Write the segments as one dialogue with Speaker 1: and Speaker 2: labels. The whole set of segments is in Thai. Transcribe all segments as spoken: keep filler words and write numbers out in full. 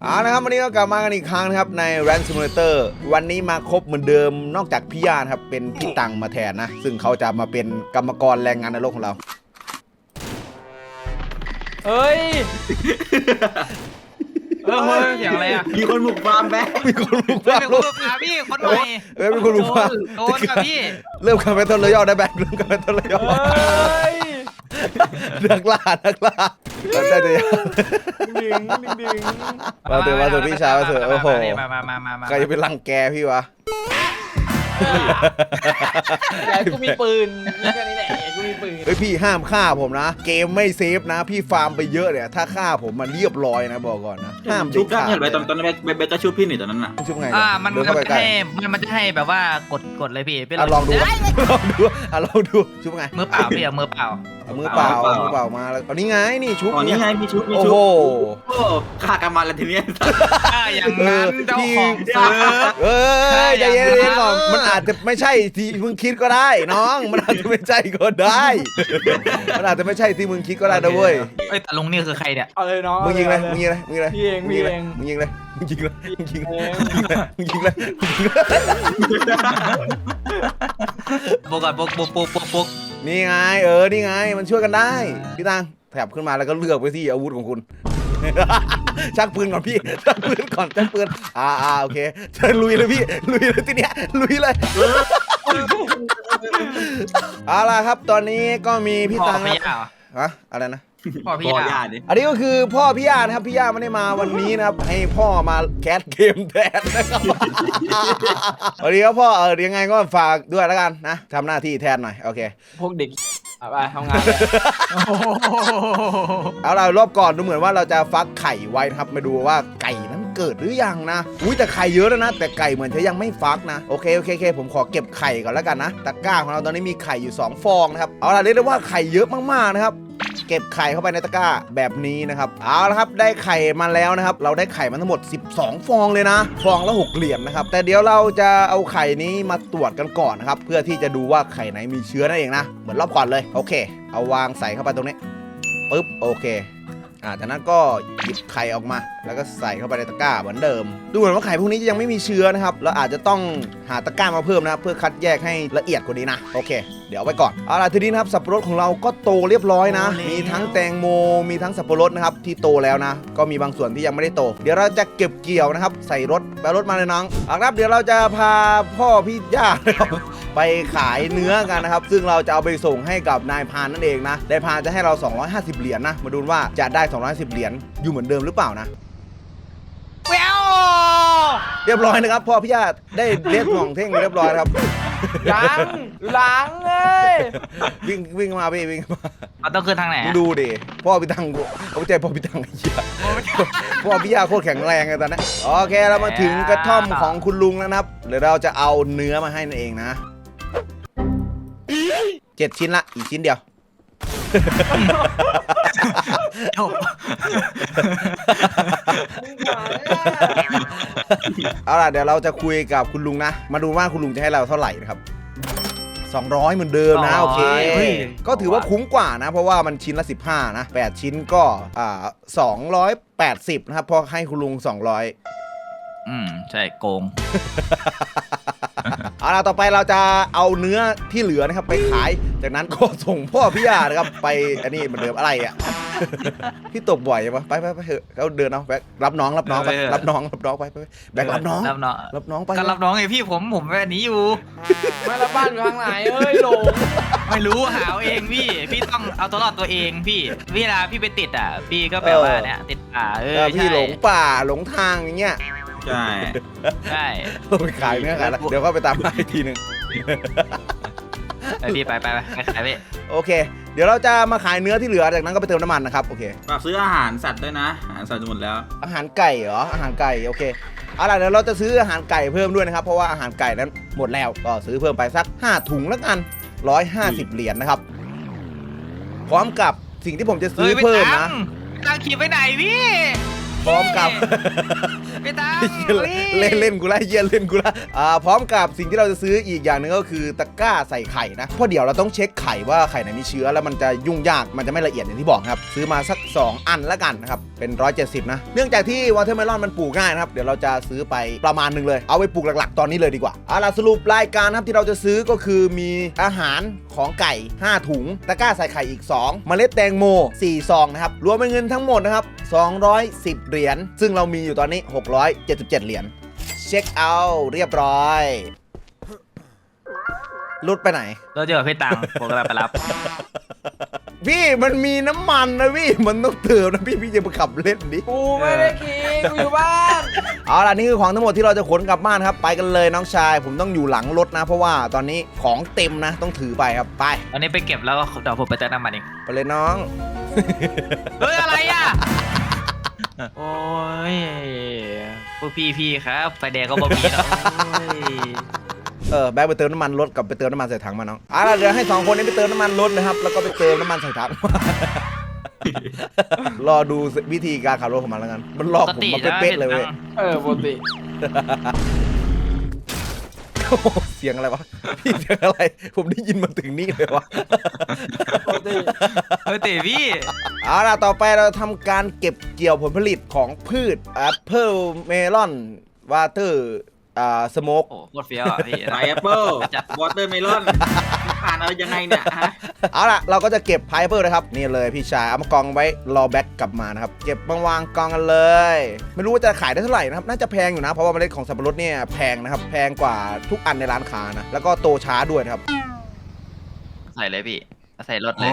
Speaker 1: เอาละครับวันนี้ก็กลับมากันอีกครั้งนะครับใน Rank Simulator วันนี้มาครบเหมือนเดิมนอกจากพี่ย่าครับเป็นพี่ตังมาแทนนะซึ่งเขาจะมาเป็นกรรมกรแรงงานในโลกของเรา
Speaker 2: เฮ้ยเออเฮ้ยเสียงอะไรอ่ะ
Speaker 3: มีคนบุกฟาร์มแบ๊
Speaker 1: มีคนบุก
Speaker 4: เป็
Speaker 1: ฟาน ร์ม
Speaker 4: คนบุกฟาร์มพี่คนใหม่
Speaker 1: เอ้ยมีคนบุกฟาร์ม
Speaker 4: โดนกับพี่
Speaker 1: เริ่มการเป็นต้นเลยย่อได้แบกเริ่มการเป็นต้นเลยย่อ
Speaker 2: เฮ้ย
Speaker 1: นักล่านักล่าเราได้เลย
Speaker 2: ดึงดึงดึง
Speaker 1: มาเถอะมาเถอะพี่ชายมาเถอะโอ้โห
Speaker 4: มามามามามา
Speaker 1: ใครจะเป็นรังแกพี่วะ
Speaker 2: แต่กูมีปืนแค่นี้แหละกูมีปืน
Speaker 1: เฮ้ยพี่ห้ามฆ่าผมนะเกมไม่เซฟนะพี่ฟาร์มไปเยอะเนี่ยถ้าฆ่าผมมันเรียบร้อยนะบอกก่อนนะห้าม
Speaker 3: ชุบได้
Speaker 1: ขาด
Speaker 3: เห็นไปตอนตอนนั้นแบ๊กแบ๊กก็ชุบพี่หนิตอนนั้นน่ะ
Speaker 1: ชุบไง
Speaker 4: อ่ามัน
Speaker 1: เดิน
Speaker 4: มัน
Speaker 1: เข้าไป
Speaker 4: จะ
Speaker 1: ใกล้
Speaker 4: ให้มันมันจะให้แบบว่ากดกดเลยพี่เป็น
Speaker 1: อ่ะลองดูลองดูอ่ะลองดูชุบไง
Speaker 4: มือเปล่าพี่เอามือเปล่า
Speaker 1: เอามือเปล่ามือเปล่ามาแล้วเอานี่ไงนี่ชุบ
Speaker 3: อ๋อนี่ไงมีชุบมี
Speaker 1: โอ้
Speaker 3: ชุบ
Speaker 1: โห
Speaker 3: โอ้ฆ่ากันมาแล้วทีเนี้ย
Speaker 4: อ่าอย่างนั้นเจ้าของเซิร์ฟ
Speaker 1: เอ้ยใจ
Speaker 4: ใช่
Speaker 1: เย็
Speaker 4: อย่างนั้น
Speaker 1: นๆก่อนมันอาจจะไม่ใช่ที่มึงคิดก็ได้น้องมันอาจจะไม่ใช่ก็ได้มันอาจจะไม่ใช่ที่มึงคิดก็ได้นะเว้ย
Speaker 4: เอ้ยแต่ลุงนี่คือใครเนี่ย
Speaker 2: เอาเลยน้อง
Speaker 1: มึงยิงเลยมึงยิงเลยมึงยิงเลย
Speaker 2: พี่เองพี่เอง
Speaker 1: มึงยิงเลยมึงยิงเลยมึงยิงเลย
Speaker 2: เอง
Speaker 1: มึงยิงเลยมึงยิงเลย
Speaker 4: ปุกก่อนปุกปุกปุกปุกปุก
Speaker 1: นี่ไงเออนี่ไงมันช่วยกันได้พี่ตังแถบขึ้นมาแล้วก็เลือกไปที่อาวุธของคุณ ชักปืนก่อนพี่ชักปืนก่อนชักปืนอ่าอ่าโอเคจะลุยเลยพี่ลุยเลยทีเนี้ยลุยเลยเอาล่ะครับตอนนี้ก็มีพี่
Speaker 4: พ่อ
Speaker 1: ตัง
Speaker 4: พี่
Speaker 1: ครับ
Speaker 4: ยาเหรอ
Speaker 1: ฮะอะไรนะ
Speaker 4: พ่อพี่
Speaker 3: พ่อย
Speaker 4: า
Speaker 3: ญาติดิ
Speaker 1: อันนี้ก็คือพ่อพี่ย่านะครับพี่ย่าไม่ได้มาวันนี้นะครับให้พ่อมาแคสเกมแทนนะครับ สวัสดีครับพ่อเออยังไงก็ฝากด้วยแล้วกันนะทำหน้าที่แทนหน่อยโอเค
Speaker 2: พวกเด็กอ่ะไปทำงานเลย
Speaker 1: เอาล่ะรอบก่อนดูเหมือนว่าเราจะฟักไข่ไว้นะครับมาดูว่าไก่นั้นเกิดหรือยังนะอุ้ยแต่ไข่เยอะแล้วนะแต่ไก่เหมือนจะยังไม่ฟักนะโอเคโอเคโอเคผมขอเก็บไข่ก่อนแล้วกันนะตะกร้าของเราตอนนี้มีไข่อยู่สองฟองนะครับเอาล่ะเรียกได้ว่าไข่เยอะมากๆนะครับเก็บไข่เข้าไปในตะกร้าแบบนี้นะครับเอาละครับได้ไข่มาแล้วนะครับเราได้ไข่มาทั้งหมดสิบสองฟองเลยนะฟองละหกเหรียญนะครับแต่เดี๋ยวเราจะเอาไข่นี้มาตรวจกันก่อนนะครับเพื่อที่จะดูว่าไข่ไหนมีเชื้อนั่นเองนะเหมือนรอบก่อนเลยโอเคเอาวางใส่เข้าไปตรงนี้ปึ๊บโอเคอ่าจากนั้นก็หยิบไข่ออกมาแล้วก็ใส่เข้าไปในตะกร้าเหมือนเดิมดูเหมือนว่าไข่พวกนี้ยังไม่มีเชื้อนะครับเราอาจจะต้องหาตะกร้ามาเพิ่มนะครับเพื่อคัดแยกให้ละเอียดกว่านี้นะโอเคเดี๋ยวเอาไว้ก่อนเอาล่ะทีนี้นะครับสับปะรดของเราก็โตเรียบร้อยนะมีทั้งแตงโมมีทั้งสับปะรดนะครับที่โตแล้วนะก็มีบางส่วนที่ยังไม่ได้โตเดี๋ยวเราจะเก็บเกี่ยวนะครับใส่รถแบรถมาเลยน้องเอาครับเดี๋ยวเราจะพาพ่อพี่ย่านะครับไปขายเนื้อกันนะครับซึ่งเราจะเอาไปส่งให้กับนายพรานนั่นเองนะนายพรานจะให้เราสองร้อยห้าสิบเหรียญนะมาดูว่าจะได้สองร้อยห้าสิบเหรียญอยู่เหมือนเดิมหรือเปล่านะ
Speaker 4: แวว
Speaker 1: เรียบร้อยนะครับพ่อพี่ย่าได้เลี้ยงของเท่งเรียบร้อยครับ
Speaker 2: ล้างล้างเอ้ย
Speaker 1: วิ่งวิ่งมาพี่วิ่งมา
Speaker 4: เราต้องขึ้นทางไหน
Speaker 1: มึง
Speaker 4: อะ
Speaker 1: ดูดิพ่อพี่ตังเขาใจพ่อพี่ตังไอ้เหี้ยพ่อพี่ย่าโคตรแข็งแรงเลยตอนนี้โอเคเรามาถึงกระท่อมของคุณลุงแล้วนะครับเดี๋ยวเราจะเอาเนื้อมาให้นั่นเองนะเจ็ดชิ้นละอีกชิ้นเดียว
Speaker 4: จบ
Speaker 1: เอาล่ะเดี๋ยวเราจะคุยกับคุณลุงนะมาดูว่าคุณลุงจะให้เราเท่าไหร่นะครับสองร้อยเหมือนเดิมนะโอเคก็ถือว่าคุ้มกว่านะเพราะว่ามันชิ้นละสิบห้านะแปดชิ้นก็อ่าสองร้อยแปดสิบนะครับพอให้คุณลุงสองร้อย
Speaker 4: อืมใช่โกง
Speaker 1: เอาล่ะต่อไปเราจะเอาเนื้อที่เหลือนะครับไปขายจากนั้นก็ส่งพ่อพี่ยานะครับไปอันนี้เหมือนเดิมอะไรอ่ะ พี่ตกบ่อยปะไปไปไปเถอะเขาเดินเอาแบกรับน้องรับน้องไปรับน้องรับน้องไปไปแบกรับน้อง
Speaker 4: รับน้อง
Speaker 1: รับน้องไป
Speaker 4: ก็รับน้องไงพี่ผมผมแบบนี้อยู่
Speaker 2: มาแล้วบ้านอยู่ทางไหนเอ้ยหลง
Speaker 4: ไม่รู้หาเอาเองพี่ พี่ต้องเอาตัวรอดตัวเองพี่เวลาพี่ไปติดอ่ะ พี่ก็แบบว่าเนี่ยติดป่าเอ
Speaker 1: เอ
Speaker 4: อ
Speaker 1: อพี่
Speaker 4: ใช่
Speaker 1: หลงป่าหลงทางอย่างเงี้ย
Speaker 3: ใช่
Speaker 4: ใช่
Speaker 1: ไปขายเนื้อขายแล้วเดี๋ยวก็ไปตามมาอีกทีหนึ่ง
Speaker 4: ไปพี่ไปไปไปไปขายพี่
Speaker 1: โอเค เดี๋ยวเราจะมาขายเนื้อที่เหลือจากนั้นก็ไปเติมน้ำมันนะครับโอเค
Speaker 3: ฝากซื้ออาหารสัตว์ด้วยนะอาหารสัตว์หมดแล้ว
Speaker 1: อาหารไก่เหรออาหารไก่โอเคเอาล่ะเดี๋ยวเราจะซื้ออาหารไก่เพิ่มด้วยนะครับเพราะว่าอาหารไก่นั้นหมดแล้วก็ซื้อเพิ่มไปสักห้าถุงแล้วกันหนึ่งร้อยห้าสิบเหรียญนะครับพร้อมกับสิ่งที่ผมจะซื้อเพิ่มนะ
Speaker 4: ตั้งขี่ไปไหนพี่
Speaker 1: พร้อมกับ
Speaker 4: พี่ตัง
Speaker 1: เล่นเล่นกูละเยี่ยเล่นกูละอ่าพร้อมกับสิ่งที่เราจะซื้ออีกอย่างหนึ่งก็คือตะกร้าใส่ไข่นะเพราะเดี๋ยวเราต้องเช็คไข่ว่าไข่ไหนมีเชื้อแล้วมันจะยุ่งยากมันจะไม่ละเอียดอย่างที่บอกครับซื้อมาสักสองอันแล้วกันนะครับเป็นหนึ่งร้อยเจ็ดสิบนะเนื่องจากที่วอเทอร์เมลอนมันปลูกง่ายนะครับเดี๋ยวเราจะซื้อไปประมาณหนึ่งเลยเอาไปปลูกหลักๆตอนนี้เลยดีกว่าเอาล่ะสรุปรายการครับที่เราจะซื้อก็คือมีอาหารของไก่ห้าถุงตะกร้าใส่ไข่อีกสองเมล็ดแตงโมสี่ซองนะครับรวมเป็นเงินทั้งหมดนะครับสองร้อยสิบเหรียญซึ่งเรามีอยู่ตอนนี้หกร้อยเจ็ดสิบเจ็ดเหรียญเช็คเอาท์เรียบร้อยรุดไปไหน
Speaker 4: เราเจอพี่ตังผมกำลังไปรับ
Speaker 1: พี่มันมีน้ำมันนะพี่มันต้องเติมนะพี่พี่จะไปขับเล่นดิ
Speaker 2: กูไม่ได้กินกูอยู่บ้าน
Speaker 1: เอาล่ะนี่คือของทั้งหมดที่เราจะขนกลับบ้านครับไปกันเลยน้องชายผมต้องอยู่หลังรถนะเพราะว่าตอนนี้ของเต็มนะต้องถือไปครับไป
Speaker 4: ตอนนี้ไปเก็บแล้วก็เดี๋ยวผมไปเติมน้ำมันเอง
Speaker 1: ไปเลยน้อง
Speaker 4: เฮ้ยอะไรอ่ะโอ้ยพวกพี่พี่ครับไฟแดงก็บ่มีนะโอ้ย
Speaker 1: เออแบกไปเติมน้ำมันรถกับไปเติมน้ำมันใส่ถังมาน้องเอาล่ะเดี๋ยวให้สองคนนี้ไปเติมน้ำมันรถนะครับแล้วก็ไปเติมน้ำมันใส่ถัง รอดูวิธีการขับรถของมันแล้วกันมันหลอกผมมาเป๊ะๆเลยเว้ย
Speaker 2: เออปกติ
Speaker 1: โอ้โหเสียงอะไรวะพี่เสียงอะไรผมได้ยินมาถึงนี่เลยวะ
Speaker 2: ปกติ
Speaker 4: เฮ้ยเต๋พี่
Speaker 1: เอาล่ะต่อไปเราทำการเก็บเกี่ยวผลผลิตของพืชแอปเปิลเมลอนวาเตอร์อ่าสโมก
Speaker 4: โอ้โคตรเฟี้ยวอ่ะพี่
Speaker 3: ไพแอปเปิลวอเตอร์เมลอนผ่านอะไรยังไงเนี่ยฮะ
Speaker 1: เอาล่ะเราก็จะเก็บพายเปิลนะครับนี่เลยพี่ชายเอามากองไว้รอแบ็กกลับมานะครับเก็บมาวางกองกันเลยไม่รู้ว่าจะขายได้เท่าไหร่นะครับน่าจะแพงอยู่นะเพราะว่าเมล็ดของสับปะรดเนี่ยแพงนะครับแพงกว่าทุกอันในร้านค้านะแล้วก็โตช้าด้วยนะครับ
Speaker 4: ใส่เลยพี่ใส่รถเลย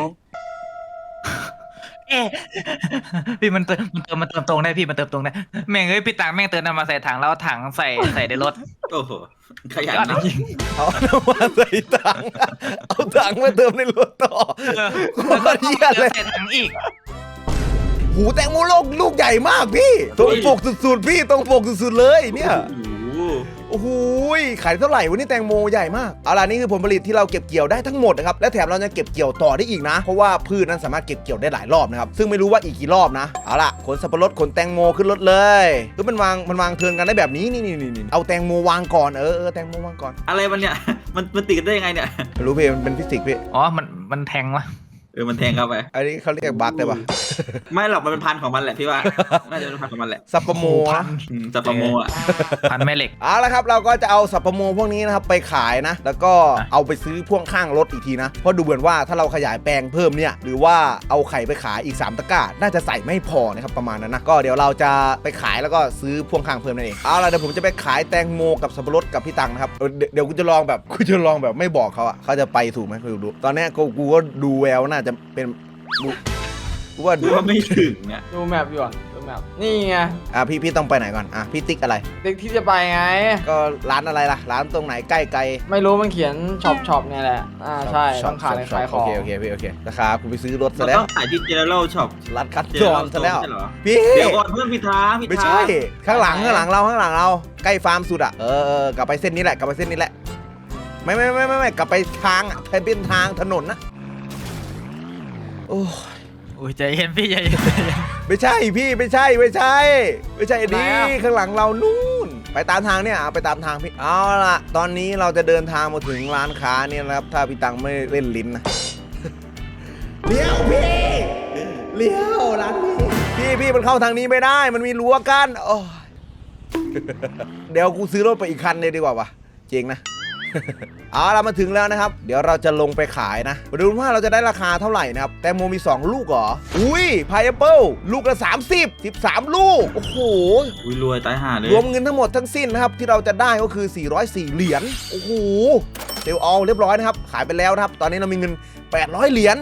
Speaker 4: เอ๊ะพี่มันเติมมันเติมมันเติมตรงได้พี่มันเติมตรงได้แม่งเอ้ยพี่ตังแม่งเติมน้ำมาใส่ถังแล้วเอาถังใส่ใส่ในรถ
Speaker 3: โอ้โหขยัน
Speaker 4: ยอด
Speaker 3: นะ
Speaker 4: จริง
Speaker 1: เอาน้ำมันใส่ถังเอาถังมาเติมในรถต่อ โค
Speaker 4: แล้วก็
Speaker 1: ตรเหี้ยเลย
Speaker 4: ใส่ถังอีก
Speaker 1: หูแตงโมโลกลูกใหญ่มากพี่ตรงปกสุดๆพี่ตรงปกสุดๆเลยเนี่ย
Speaker 3: โอ้โห
Speaker 1: โอ้โหขายเท่าไหร่วันนี้แตงโมใหญ่มากเอาล่ะนี่คือผลผลิตที่เราเก็บเกี่ยวได้ทั้งหมดนะครับและแถมเรายังเก็บเกี่ยวต่อได้อีกนะเพราะว่าพืชนั้นสามารถเก็บเกี่ยวได้หลายรอบนะครับซึ่งไม่รู้ว่าอีกกี่รอบนะเอาล่ะขนสับปะรดขนแตงโมขึ้นรถเลยคือมันวางมันวางเทิร์นกันได้แบบนี้นี่นี่นี่เอาแตงโมวางก่อนเออเออแตงโมวางก่อน
Speaker 3: อะไรมันเนี่ยมันมันติดกันได้ยังไงเนี่ย
Speaker 1: ไม่รู้พี่มันเป็นฟิสิกส์พี่
Speaker 4: อ๋อมันมันแทงวะ
Speaker 3: เออมันแทงเข้าไป
Speaker 1: อันนี้เขาเรียกบั๊กได้ปะ
Speaker 3: ไม่หรอกมันเป็นพันธุ์ของมันแหละพี่ว่าน่าจะเป็นพันธุ์ของมันแหละ
Speaker 1: สับปะโมนะ
Speaker 3: อืมจับปลาโมอ่ะ
Speaker 4: พันแม่เหล็ก
Speaker 1: เอาละครับเราก็จะเอาสับปะโมพวกนี้นะครับไปขายนะแล้วก็เอาไปซื้อพ่วงข้างรถอีกทีนะเพราะดูเหมือนว่าถ้าเราขยายแปลงเพิ่มเนี่ยหรือว่าเอาไข่ไปขายอีกสามตะกร้าน่าจะใส่ไม่พอนะครับประมาณนั้นนะก็เดี๋ยวเราจะไปขายแล้วก็ซื้อพ่วงข้างเพิ่มนั่นเองเอาละเดี๋ยวผมจะไปขายแตงโมกับสับปะรดกับพี่ตังนะครับเออเดี๋ยวเดี๋ยวกูจะลองแบบกูจะลองแบบไม่บอกเขาอะเขาจะไปถูกไหมกูดูตอนเนี้ยกูกูก็ดูแววน่าจะเป็นกูกูว่า
Speaker 3: ดูว่าไม่ถึงเนี่ย
Speaker 2: ดูแมปอยู่อ่ะดูแมปนี่ไง
Speaker 1: อ่ะพี่พี่ต้องไปไหนก่อนอ่ะพี่ติ๊กอะไร
Speaker 2: เด็กที่จะไปไง
Speaker 1: ก็ร้านอะไรล่ะร้านตรงไหนใกล้ไกล
Speaker 2: ไม่รู้มันเขียนช็อปช็อปเนี่ยแหละอ่าใช่
Speaker 1: ช็
Speaker 2: ต้
Speaker 1: อ
Speaker 2: อ
Speaker 1: ป
Speaker 2: งขาย
Speaker 1: ช็อป
Speaker 2: ขายข
Speaker 1: โอ
Speaker 2: อง
Speaker 1: เคโอเคพี่โอเคนะครับกูไปซื้อรถซะ
Speaker 3: เรา
Speaker 1: แล้ว
Speaker 3: ต้องขายที่เจเนอเรลช็อป
Speaker 1: รัดคัดจอนซะแล้ว
Speaker 3: ใช่เหรอ
Speaker 1: พี่
Speaker 3: เดี๋ยวก่อนเพื่อนพิธาพิธา
Speaker 1: ไม่ใช่ข้างหลังข้างหลังเราข้างหลังเราใกล้ฟาร์มสุดอ่ะเออเออกลับไปเส้นนี้แหละกลับไปเส้นนี้แหละไม่ไม่ไม่ไม่ไม่กลับไปทางอ่ะเป็นทางถนนนะโอ้
Speaker 4: โอ้ยใจเย็นพี่ใจเย็น
Speaker 1: ไม่ใช่พี่ไม่ใช่ไม่ใช่ ไม่ใช่อันนี้ข้างหลังเรานู่นไปตามทางเนี่ยเอาไปตามทางพี่เอาล่ะตอนนี้เราจะเดินทางมาถึงร้านค้าเนี่ยนะครับถ้าพี่ตังไม่เล่นลิ้นนะ เลี้ยวพี่เลี้ยวร้านพี่พี่พี่มันเข้าทางนี้ไม่ได้มันมีรั้วกั้นโอ้ย เดี๋ยวกูซื้อรถไปอีกคันเลยดีกว่าวะจริงนะ เอาเรามาถึงแล้วนะครับเดี๋ยวเราจะลงไปขายนะมาดูว่าเราจะได้ราคาเท่าไหร่นะครับแตงโมมีสองลูกเหรออุ้ยพายแอปเปิลลูกละสามสิบ สิบสามลูกโอ้โห
Speaker 3: อุ้ยรวยตายห่าเลย
Speaker 1: รวมเงินทั้งหมดทั้งสิ้นนะครับที่เราจะได้ก็คือสี่ร้อยสี่เหรียญโอ้โหเซลล์เอาเรียบร้อยนะครับขายไปแล้วนะครับตอนนี้เรามีเงินแปดร้อยเหรียญ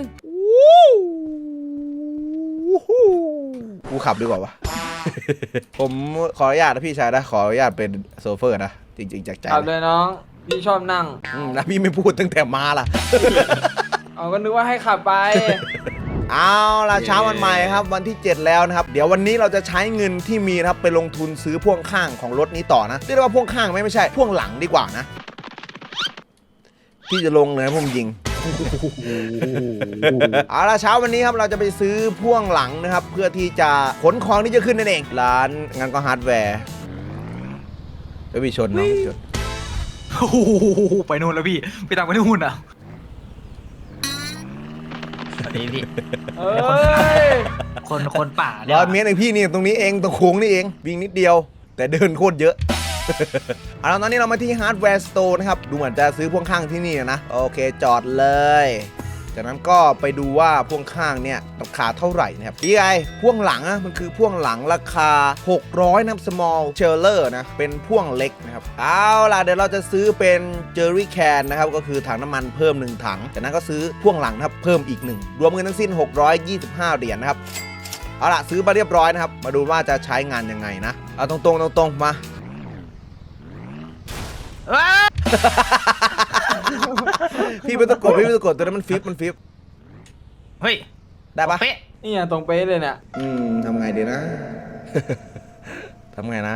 Speaker 1: วู้ฮู้กูขับดีกว่าวะ ผมขออนุญาตนะพี่ชายนะขออนุญาตเป็นโซเฟอร์นะจริงๆจากใจ
Speaker 2: ขับเลยน้องพี่ชอบนั่ง
Speaker 1: อืมนะพี่ไม่พูดตั้งแต่มาล่ะ
Speaker 2: เอาก็นึกว่าให้ขับไป
Speaker 1: เอาล่ะเช้าวันใหม่ครับวันที่เจ็ดแล้วนะครับเดี๋ยววันนี้เราจะใช้เงินที่มีนะครับไปลงทุนซื้อพ่วงข้างของรถนี้ต่อนะเรียกได้ว่าพ่วงข้างไม่ไม่ใช่พ่วงหลังดีกว่านะพี่จะลงเลยนะผมยิงเอาละเช้าวันนี้ครับเราจะไปซื้อพ่วงหลังนะครับเพื่อที่จะขนของที่จะขึ้นนั่นเองร้านงานก็ฮาร์ดแวร์ไปวิชนเนาะชน
Speaker 4: โอ้โหไปนู่นแล้วพี่ไปตามไปนู่นอ่ะสวัสดีพี่
Speaker 2: เอ้ย
Speaker 4: คนคนป่าเนี่
Speaker 1: ร้
Speaker 4: ย
Speaker 1: อยเมตรเองพี่นี่ตรงนี้เองตรงโค้งนี่เองวิ่งนิดเดียว แต่เดินโคตรเยอะ เอาละตอนนี้เรามาที่ฮาร์ดแวร์สโตร์นะครับดูเหมือนจะซื้อพ่วงข้างที่นี่นะโอเคจอดเลยจากนั้นก็ไปดูว่าพ่วงข้างเนี่ยราคาเท่าไหร่นะครับพี่ไอพ่วงหลังอะมันคือพ่วงหลังราคาหกร้อยนะครับ small trailer นะเป็นพ่วงเล็กนะครับเอาล่ะเดี๋ยวเราจะซื้อเป็น jerry can นะครับก็คือถังน้ำมันเพิ่มหนึ่งถังจากนั้นก็ซื้อพ่วงหลังนะครับเพิ่มอีกหนึ่งรวมเงินทั้งสิ้นหกร้อยยี่สิบห้าเหรียญนะครับเอาล่ะซื้อมาเรียบร้อยนะครับมาดูว่าจะใช้งานยังไงนะเอาตรงๆตรงๆมา
Speaker 4: ว้า
Speaker 1: พี่ไม่ต้องกดพี่ไม่ต้องกดตัวนั้นมันฟิปมันฟิป
Speaker 4: เฮ้ย
Speaker 1: ได้ปะ
Speaker 4: เป๊ะ
Speaker 2: นี่ไงตรงเป๊ะเลยเนี่ย
Speaker 1: อืมทำไงดีนะ ทำไงนะ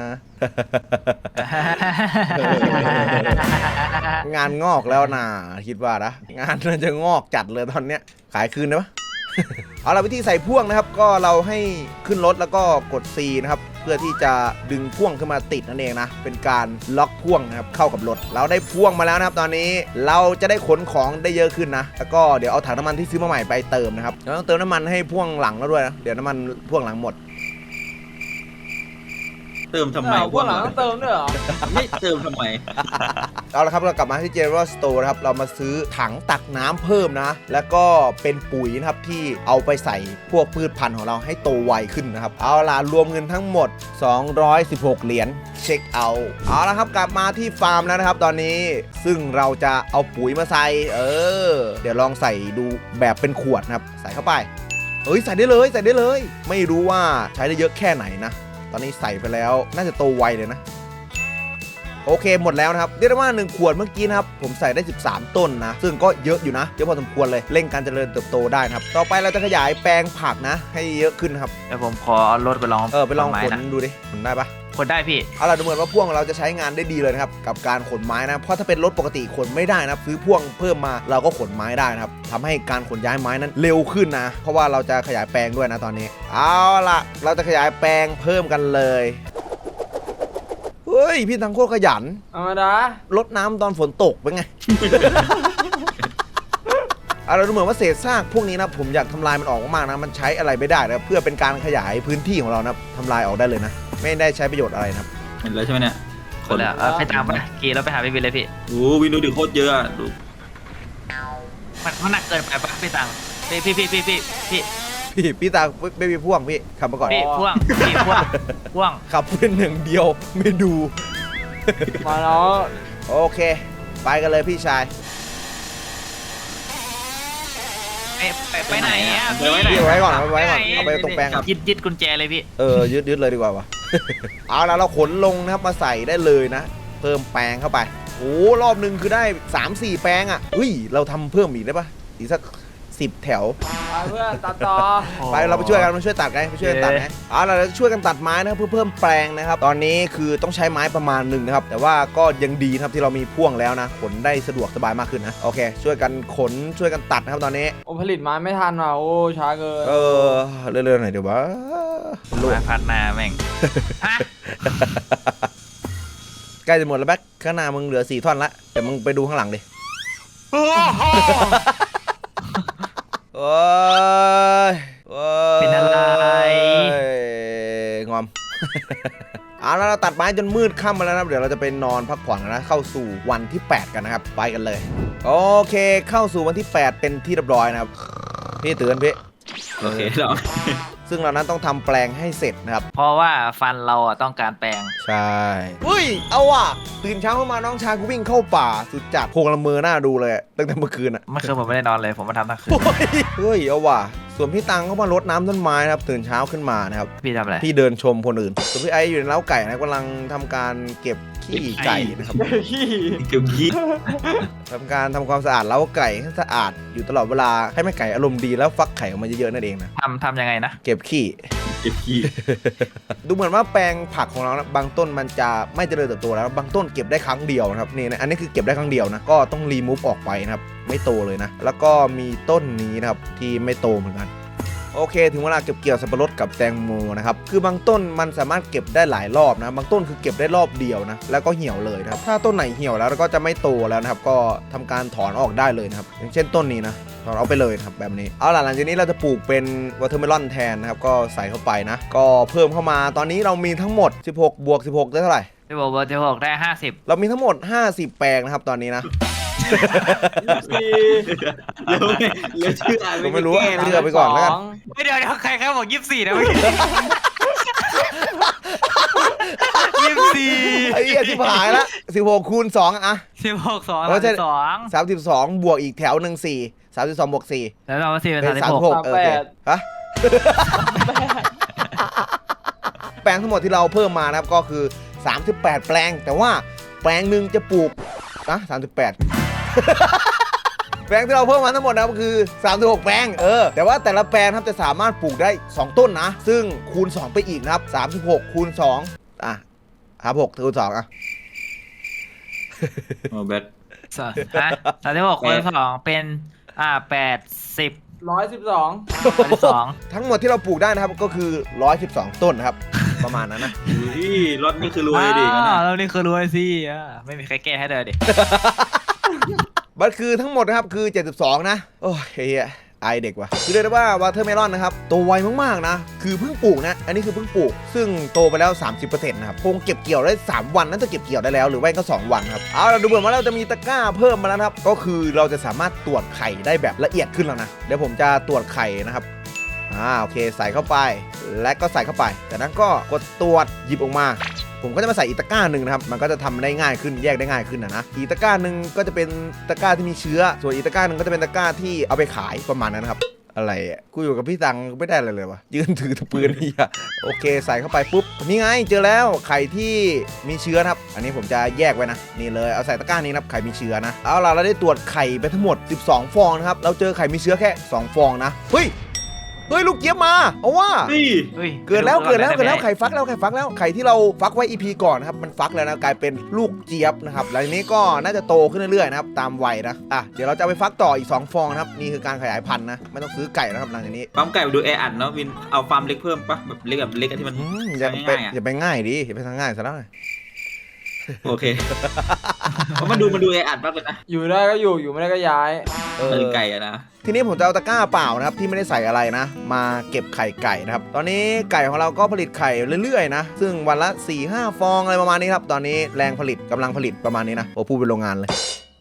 Speaker 1: งานงอกแล้วนะคิดว่านะงานน่าจะงอกจัดเลยตอนเนี้ยขายคืนได้ปะ เอาละวิธีใส่พ่วงนะครับก็เราให้ขึ้นรถแล้วก็กด C นะครับเพื่อที่จะดึงพ่วงขึ้นมาติดนั่นเองนะเป็นการล็อกพ่วงนะครับเข้ากับรถเราได้พ่วงมาแล้วนะครับตอนนี้เราจะได้ขนของได้เยอะขึ้นนะแล้วก็เดี๋ยวเอาถังน้ำมันที่ซื้อมาใหม่ไปเติมนะครับเราต้องเติมน้ำมันให้พ่วงหลังแล้วด้วยนะเดี๋ยวน้ำมันพ่วงหลังหมด
Speaker 3: เติมทำไม
Speaker 2: อ้าวพวกหลังต้องเติมด้วยเหรอ
Speaker 3: ไม่เติมทำไม
Speaker 1: เอาละครับเรากลับมาที่ General Store นะครับเรามาซื้อถังตักน้ำเพิ่มนะแล้วก็เป็นปุ๋ยนะครับที่เอาไปใส่พวกพืชพันธุ์ของเราให้โตไวขึ้นนะครับเอาล่ะรวมเงินทั้งหมดสองร้อยสิบหกเหรียญเช็คเอาท์เอาละครับกลับมาที่ฟาร์มแล้วนะครับตอนนี้ซึ่งเราจะเอาปุ๋ยมาใส่เออเดี๋ยวลองใส่ดูแบบเป็นขวดนะครับใส่เข้าไปเอ้ยใส่ได้เลยใส่ได้เลยไม่รู้ว่าใช้ได้เยอะแค่ไหนนะตอนนี้ใส่ไปแล้วน่าจะโตไวเลยนะโอเคหมดแล้วนะครับเรียกได้ว่าหนึ่งขวดเมื่อกี้นะครับผมใส่ได้สิบสามต้นนะซึ่งก็เยอะอยู่นะเยอะพอสมควรเลยเร่งการเจริญเติบโตได้นะครับต่อไปเราจะขยายแปลงผักนะให้เยอะขึ้นครับ
Speaker 4: เดี๋ยวผมขอเอารถไปลอง
Speaker 1: เออไปลอง
Speaker 4: ไม้
Speaker 1: ขน
Speaker 4: นะ
Speaker 1: ดูดิขนได้ปะ
Speaker 4: คนได้พี่
Speaker 1: เอาล่ะดูเหมือนว่าพ่วงเราจะใช้งานได้ดีเลยนะครับกับการขนไม้นะเพราะถ้าเป็นรถปกติขนไม่ได้นะครับซื้อพ่วงเพิ่มมาเราก็ขนไม้ได้นะครับทำให้การขนย้ายไม้นั้นเร็วขึ้นนะเพราะว่าเราจะขยายแปลงด้วยนะตอนนี้เอาล่ะเราจะขยายแปลงเพิ่มกันเลยเฮ้ยพี่ทั้งโคตรขยัน
Speaker 2: ธรรมดาร
Speaker 1: ดน้ำตอนฝนตกเป็นไง เอาเราดูเหมือนว่าเศษซากพวกนี้นะผมอยากทำลายมันออกมากๆนะมันใช้อะไรไม่ได้นะเพื่อเป็นการขยายพื้นที่ของเรานะทำลายออกได้เลยนะไม่ได้ใช้ประโยชน์อะไรนะครับ
Speaker 3: เห็นแล้วใช่ไหมเนี่ย
Speaker 4: คนแล้วเอาไปตามมาขี่แล้วไปหาพี่วินเลยพี่
Speaker 3: โอ้วินดูดิโคตรเยอะอะดู
Speaker 4: มันมันหนักเกินไปปะพี่ตังพี่พี่พี่พี่พี่พี่
Speaker 1: พี่พี่ตาไม่มีพ่วงพี่ขับมาก่อน
Speaker 4: พี่พ่วงพี่พ่วงพ่วง
Speaker 1: ขับเป็นหนึ่งเดียวไม่ดู
Speaker 2: มาแล้ว
Speaker 1: โอเค ไปกันเลยพี่ชาย
Speaker 4: ไปไปไปไหนอ่ะ
Speaker 3: ไปไว้ไหน
Speaker 1: พี่เอาไว้ก่อนเอาไว้ก่อนเอาไปตรงแปลงก่อน
Speaker 4: ยึดยึดกุญแจเลยพี่
Speaker 1: เออยึดยึดเลยดีกว่าวะ เอาละเราขนลงนะครับมาใส่ได้เลยนะ เพิ่มแปลงเข้าไปโอ้รอบหนึ่งคือได้ สามสี่ แปลงอ่ะอุ้ยเราทำเพิ่มอีกได้ปะอีกสักสิบแถว
Speaker 2: ไปเพื่อนตัดต่อ
Speaker 1: ไปเราไปช่วยกันมาช่วยตัดไงไปช่วยกันตัดไงเอาล่ะเราจะช่วยกันตัดไม้นะครับเพื่อเพิ่มแปลงนะครับตอนนี้คือต้องใช้ไม้ประมาณหนึ่งนะครับแต่ว่าก็ยังดีนะครับที่เรามีพ่วงแล้วนะขนได้สะดวกสบายมากขึ้นนะโอเค ช่วยกันขนช่วยกันตัดนะครับตอนนี้
Speaker 2: โอ้ผลิตไม้ไม่ทันว่ะโอ้ช้าเกิน
Speaker 1: เออเรื่อยๆหน่อยเดี๋ยววะโลก
Speaker 4: มาพัดหน้าแม่งฮะ
Speaker 1: ใกล้จะหมดแล้วแบ็คข้างหน้ามึงเหลือสี่ท่อนละแต่มึงไปดูข้างหลังดิโอ้ยโอ้ย
Speaker 4: เป็นอะไร
Speaker 1: งอม เอาแล้วเราตัดไม้จนมืดค่ำมาแล้วนะครับเดี๋ยวเราจะไปนอนพักผ่อนกันนะเข้าสู่วันที่แปดกันนะครับไปกันเลยโอเคเข้าสู่วันที่แปดเป็นที่เรียบร้อยนะครับพี่เตือนพี่
Speaker 3: โอเคเรา
Speaker 1: ซึ่งเรานั้นต้องทำแปลงให้เสร็จนะครับ
Speaker 4: เพราะว่าฟันเราอ่ะต้องการแปลง
Speaker 1: ใช่เฮ้ยเอาว่ะตื่นเช้าขึ้นมาน้องชายกูวิ่งเข้าป่าสุดจัดโพงละเมอหน้าดูเลยตั้งแต่เมื่อคืนอ่ะ
Speaker 4: เมื่อคืนผมไม่ได้นอนเลยผมมาทำทั้งคืน
Speaker 1: เฮ้ยเอาว่ะส่วนพี่ตังเขามารดน้ำต้นไม้นะครับตื่นเช้าขึ้นมานะครับ
Speaker 4: พี่ทำอะไร
Speaker 1: พี่เดินชมคนอื่นส่วนพี่ไออยู่ในเล้าไก่นะกำลังทำการเก็บขี้ไก่นะครับ
Speaker 2: ขี้
Speaker 3: เกี่ยวยี่
Speaker 1: ทำการทำความสะอาดเล้าไก่ให้สะอาดอยู่ตลอดเวลาให้แม่ไก่อารมณ์ดีแล้วฟักไข่ออกมาเยอะๆนั่นเองนะ
Speaker 4: ทำทำยังไงนะ
Speaker 1: เก็บขี้
Speaker 3: เก็บขี้
Speaker 1: ดูเหมือนว่าแปลงผักของเรานะบางต้นมันจะไม่เจริญเติบโตแล้วบางต้นเก็บได้ครั้งเดียวนะครับนี่นะอันนี้คือเก็บได้ครั้งเดียวนะก็ต้องรีมูฟออกไปนะครับไม่โตเลยนะแล้วก็มีต้นนี้นะครับที่ไม่โตเหมือนกันโอเคถึงเวลาเก็บเกี่ยวสับปะรดกับแตงโมนะครับคือบางต้นมันสามารถเก็บได้หลายรอบนะบางต้นคือเก็บได้รอบเดียวนะแล้วก็เหี่ยวเลยนะครับถ้าต้นไหนเหี่ยวแล้วก็จะไม่โตแล้วนะครับก็ทำการถอนออกได้เลยนะครับอย่างเช่นต้นนี้นะถอนเอาไปเลยครับแบบนี้เอาล่ะหลังจากนี้เราจะปลูกเป็นวอเตอร์เมลอนแทนนะครับก็ใส่เข้าไปนะก็เพิ่มเข้ามาตอนนี้เรามีทั้งหมดสิบหกบวกสิบหกได้เท่าไหร่
Speaker 4: จะบอกว่าจะบอกได้ห้าสิบ
Speaker 1: เรามีทั้งหมดห้าสิบแปลงนะครับตอนนี้นะ
Speaker 2: สี่
Speaker 3: เร็วเร็วชื่ออ่าน
Speaker 1: ผมไม่รู้
Speaker 3: แก้นะ
Speaker 1: เชื่อไปก่อนแล้วกัน
Speaker 4: ไม่เดี๋ยวเดี๋ยวใครใครบอกยี่สิบสี่นะเมื่อกี้ยี่สิบสี่
Speaker 1: ไอ้เหี้ยที่หายละสิบหกคูณสองอะ
Speaker 4: สิบหกสอง
Speaker 1: เพราะฉะนั้น
Speaker 4: สอง
Speaker 1: สามสิบสองบวกอีกแถวหนึ่งสี่สามสิบสองบวกสี่
Speaker 4: แล้วเรามาสี่เป็น
Speaker 1: เป็น
Speaker 4: สามสิ
Speaker 1: สาม
Speaker 4: บ
Speaker 1: สิบ
Speaker 4: ห
Speaker 1: ห
Speaker 4: ก
Speaker 1: กโอเคฮะ แปลงทั้งหมดที่เราเพิ่มมานะครับก็คือสามสิบแปดแปลงแต่ว่าแปลงหนึ่งจะปลูกนะสามสิบแปด แปลงที่เราเพิ่มมาทั้งหมดนะครับคือสามสิบหกแปลงเออแต่ว่าแต่ละแปลงครับจะสามารถปลูกได้สองต้นนะซึ่งคูณสองไปอีกนะครับสามสิบหกคูณสองอ่ะครับหกคูณสองอ่ะ
Speaker 3: โอ้แบท
Speaker 4: สามฮะสามสิบหกคูณสองเป็นอ่าแปดสิบ
Speaker 2: ร้อยสิบสอง
Speaker 4: แปดสิบสอง
Speaker 1: ทั้งหมดที่เราปลูกได้นะครับก็คือหนึ่งร้อยสิบสองต้นนะครับ ประมาณนั้นนะ
Speaker 3: ที่รถนี่คือรวยดิงั้น
Speaker 4: อ่า
Speaker 3: น่ะ
Speaker 4: เรานี่คือรวยสิอ่าไม่มีใครแก้ให้เลยดิ
Speaker 1: มันคือทั้งหมดนะครับคือเจ็ดสิบสองนะโอ้ยเฮียไอเด็กว่ะคือเรียกได้ว่าวอเตอร์เมลอนนะครับโตไวมากๆนะคือเพิ่งปลูกนะอันนี้คือเพิ่งปลูกซึ่งโตไปแล้ว สามสิบเปอร์เซ็นต์ นะครับคงเก็บเกี่ยวได้สามวันน่าจะเก็บเกี่ยวได้แล้วหรือไม่ก็สองวันครับเอาเราดูเหมือนว่าเราจะมีตะกร้าเพิ่มมาแล้วนะครับก็คือเราจะสามารถตรวจไข่ได้แบบละเอียดขึ้นแล้วนะเดี๋ยวผมจะตรวจไข่นะครับอ่าโอเคใส่เข้าไปและก็ใส่เข้าไปจากนั้นก็กดตรวจหยิบออกมาผมก็จะมาใส่อีกตะกร้าหนึ่งนะครับมันก็จะทำได้ง่ายขึ้นแยกได้ง่ายขึ้นนะนะอีกตะกร้าหนึ่งก็จะเป็นตะกร้าที่มีเชื้อส่วนอีกตะกร้าหนึ่งก็จะเป็นตะกร้าที่เอาไปขายประมาณนั้นนะครับอะไรอ่ะกูอยู่กับพี่ตังไม่ได้อะไรเลยวะยืนถือตะปืนนี่อะโอเคใส่เข้าไปปุ๊บนี่ไงเจอแล้วไข่ที่มีเชื้อนะครับอันนี้ผมจะแยกไว้นะนี่เลยเอาใส่ตะกร้านี้นะครับไข่มีเชื้อนะเอาล่ะเราได้ตรวจไข่ไปทั้งหมดสิบสองฟองนะครับเราเจอไข่มีเชื้อแค่สองฟองนะเฮ้ยเฮ้ยลูกเจี๊ยบมาเอาว่า
Speaker 3: นี่
Speaker 4: ฮ้ย
Speaker 1: เกิดแล้วเกิดแล้วเกิดแล้ว
Speaker 4: ได้ไหม
Speaker 1: ไข่ฟักแล้วไข่ฟักแล้วไข่ที่เราฟักไว้ อี พี ก่อนนะครับมันฟักแล้วนะกลายเป็นลูกเจี๊ยบนะครับหลังจากนี้ก็น่าจะโตขึ้นเรื่อยๆนะครับตามวัยนะอ่ะเดี๋ยวเราจะเอาไปฟักต่ออีกสองฟองนะครับนี่คือการขยายพันธุ์นะไม่ต้องซื้อไก่นะครับหลังจากนี้
Speaker 3: ปั๊มไก่ดูแออัดเนาะวินเอาฟาร์มเล็กเพิ่มปะแบบเล็กแบบเล็กอะที่มัน
Speaker 1: อืมอย่าไป
Speaker 3: ง่ายๆอะ
Speaker 1: อย่าไปง่ายดิอย่าไปทางง่ายซะแล้ว
Speaker 3: โอเคเพราะมันดูมันดูแออัดมากเลยนะ
Speaker 2: อยู่ได้ก็อยู่อยู่ไม่ได้ก็ย้าย
Speaker 1: เอ
Speaker 3: เอ
Speaker 1: อ
Speaker 3: อไก่อะนะ
Speaker 1: ทีนี้ผมจะเอาตะกร้าเปล่านะครับที่ไม่ได้ใส่อะไรนะ มาเก็บไข่ไก่นะครับตอนนี้ไก่ของเราก็ผลิตไข่เรื่อยๆนะซึ่งวันละ สี่ห้า ฟองอะไรประมาณนี้ครับตอนนี้แรงผลิตกำลังผลิตประมาณนี้นะโอ้พูดเป็นโรงงานเลย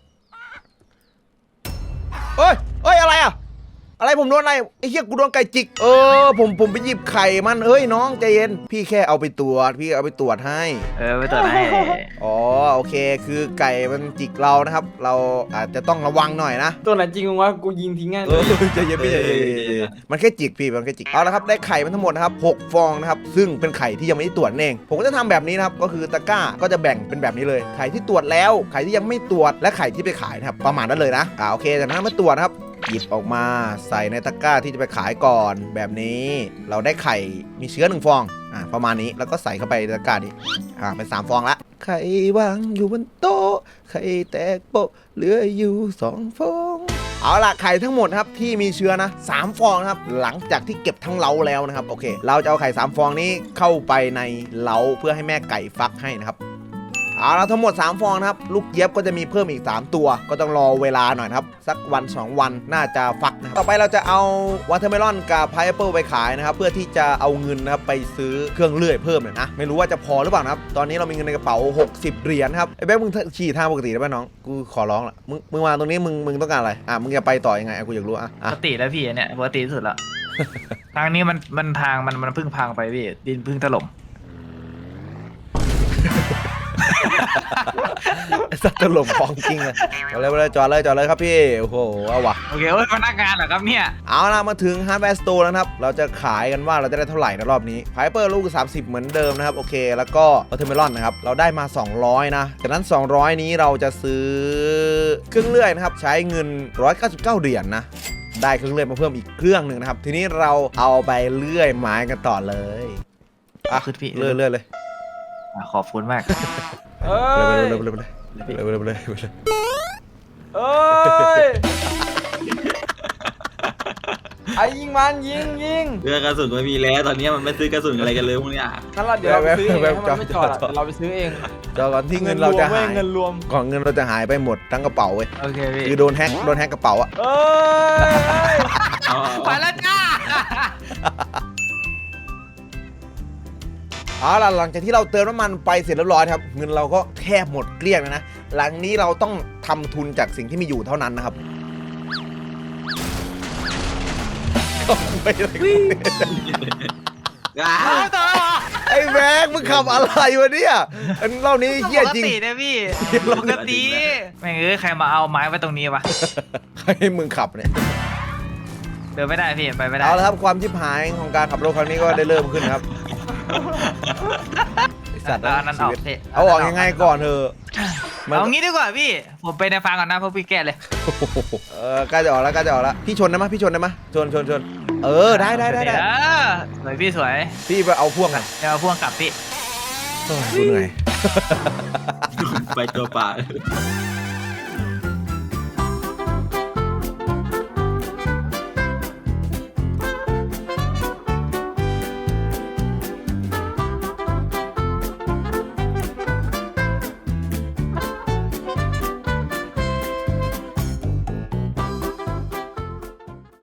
Speaker 1: เอ้ยเอ้ยอะไรอ่ะอะไรผมโดนอะไรไอ้เหี้ยกูโดนไก่จิกเออผมผมไปหยิบไข่มันเฮ้ยน้องใจเย็นพี่แค่เอาไปตรวจพี่เอาไปตรวจให้
Speaker 4: เออไปตรวจให้
Speaker 1: อ๋อโอเคคือไก่มันจิกเรานะครับ เราอาจจะต้องระวังหน่อยนะ
Speaker 2: ตัวไหนจริงวะกูยิงทิ้งง่าย
Speaker 1: เออใจเย็นพี่ใจเย็นใจเย็นมันแค่จิกพี่มันแค่จิกเอาละครับได้ไข่มันทั้งหมดนะครับหกฟองนะครับซึ่งเป็นไข่ที่ยังไม่ได้ตรวจเองผมก็จะทำแบบนี้นะครับก็คือตะกร้าก็จะแบ่งเป็นแบบนี้เลยไข่ที่ตรวจแล้วไข่ที่ยังไม่ตรวจและไข่ที่ไปขายนะครับประมาณนั้นเลยนะอ่าโอเคจากนั้นมาตรวจนะครับหยิบออกมาใส่ในตะกร้าที่จะไปขายก่อนแบบนี้เราได้ไข่มีเชื้อหนึ่งฟองอ่าประมาณนี้แล้วก็ใส่เข้าไปในตะกร้านี้อ่าเป็นสามฟองละไข่วางอยู่บนโต๊ะไข่แตกโปะเหลืออยู่สองฟองเอาล่ะไข่ทั้งหมดครับที่มีเชื้อนะสามฟองนะครับหลังจากที่เก็บทั้งเล้าแล้วนะครับโอเคเราจะเอาไข่สามฟองนี้เข้าไปในเล้าเพื่อให้แม่ไก่ฟักให้นะครับเอาละทั้งหมดสามฟองนะครับลูกเย็บก็จะมีเพิ่มอีกสามตัวก็ต้องรอเวลาหน่อยนะครับสักวันสองวันน่าจะฟักนะครับต่อไปเราจะเอาวอเตอร์เมลอนกับพายแอปเปิลไปขายนะครับเพื่อที่จะเอาเงินนะครับไปซื้อเครื่องเลื่อยเพิ่มเลยนะไม่รู้ว่าจะพอหรือเปล่านะครับตอนนี้เรามีเงินในกระเป๋าหกสิบเหรียญครับไอ้แบ๊กมึงขี่ทางปกติได้ไหมน้องกูขอร้องละมึงมึงมาตรงนี้มึงมึงต้องการอะไรอ่ะมึงจะไปต่อยังไงอ่ะกูอยากรู้อ่ะ
Speaker 4: ป
Speaker 1: อ่ะ
Speaker 4: กติแล้วพี่เนี่ยปกติที่สุดละ ทางนี้มันมันทางมันมันเพิ่งพังไปพี่ดินเพิ่งถล่ม
Speaker 1: สัตว์ถล่มของจริงเลยจอดเลยจอดเลยจอดเลยครับพี่โอ้โหเอาวะ
Speaker 4: โอเคเอ้ยพนักงานเหรอครับเนี่ย
Speaker 1: เอาล่ะมาถึง Hardware Store แล้วนะครับเราจะขายกันว่าเราจะได้เท่าไหร่ในรอบนี้ไพเปอร์ลูกสามสิบเหมือนเดิมนะครับโอเคแล้วก็วอเตอร์เมลอนนะครับเราได้มาสองร้อยนะจากนั้นสองร้อยนี้เราจะซื้อเครื่องเลื่อยนะครับใช้เงินหนึ่งร้อยเก้าสิบเก้าเหรียญนะได้เครื่องเลื่อยมาเพิ่มอีกเครื่องหนึ่งนะครับทีนี้เราเอาไปเลื่อยไม้กันต่อเลยอ่ะ
Speaker 4: ขึ้นพี่
Speaker 1: เลื่อยเลื่อยเลย
Speaker 4: อ่ะขอบคุณมาก
Speaker 2: เอ้
Speaker 1: เลื่อย
Speaker 2: ย
Speaker 1: เลื่อยเลื่อยเลื่อยเลื่อยเลื่อยเลื่อยเลื่อยเลื่อย
Speaker 2: เอ้ยไอ้ยิงมันยิงยิง
Speaker 3: เรือกระสุนไม่มีแล้วตอนนี้มันไม่ซื้อกระสุนอะไรกันเลยพวกเนี้ย
Speaker 2: งั้นเราเดี๋ยวเราไปซื้อเองให้มันไม่จอดอะเดี๋ยวเราไปซื้อเอง
Speaker 1: จอก่อนที่เงินเราจะหาย
Speaker 2: เงินรวม
Speaker 1: ก่อนเงินเราจะหายไปหมดทั้งกระเป๋าเว้ย
Speaker 4: โอเคพี่
Speaker 1: คือโดนแฮกโดนแฮกกระเป๋าอะ
Speaker 2: เอ้ย
Speaker 3: เอา
Speaker 4: ไปแล้วจ้า
Speaker 1: เอาล่ะหลังจากที่เราเติมน้ำมันไปเสร็จเรียบร้อยครับเงินเราก็แทบหมดเกลี้ยงแล้วนะหลังนี้เราต้องทำทุนจากสิ่งที่มีอยู่เท่านั้นนะครับไม่อะไรกูเนี่ย
Speaker 3: อ่า
Speaker 4: เอาต่อ
Speaker 1: ไอ้แม็กมึงขับอะไรวะเนี่ยอันเล่านี้เหี้ย
Speaker 4: ปก
Speaker 1: จริง
Speaker 4: ตินะพี่ปกติแม่งเอ้ยใครมาเอาไม้ไว้ตรงนี้วะ
Speaker 1: ให้มึงขับเนี่ย
Speaker 4: เดินไม่ได้พี่ไปไม่ได้
Speaker 1: เอาละครับความชิบหายของการขับรถครั้งนี้ก็ได้เริ่มขึ้นครับไอ้สัตว์
Speaker 4: เอาอันนั้นออกพี่
Speaker 1: เอาออกยังไงก่อนเธอะมัน
Speaker 4: เอางี้ดีกว่าพี่ผมไปในฟังก่อนนะเพราะพี่แก้เลย
Speaker 1: เออใกล้จะออกแล้วใกล้จะออกแล้วพี่ชนได้ไหมยพี่ชนได้ไหมยชนชนชนเออได้ได้ได้ได้
Speaker 4: เออสวยพี่สวย
Speaker 1: พี่ไปเอาพ่วงกัน
Speaker 4: เดี๋ยวเอาพ่วงกลับพี่
Speaker 1: ดูเหนื่อย
Speaker 3: ไปตัวเปล่า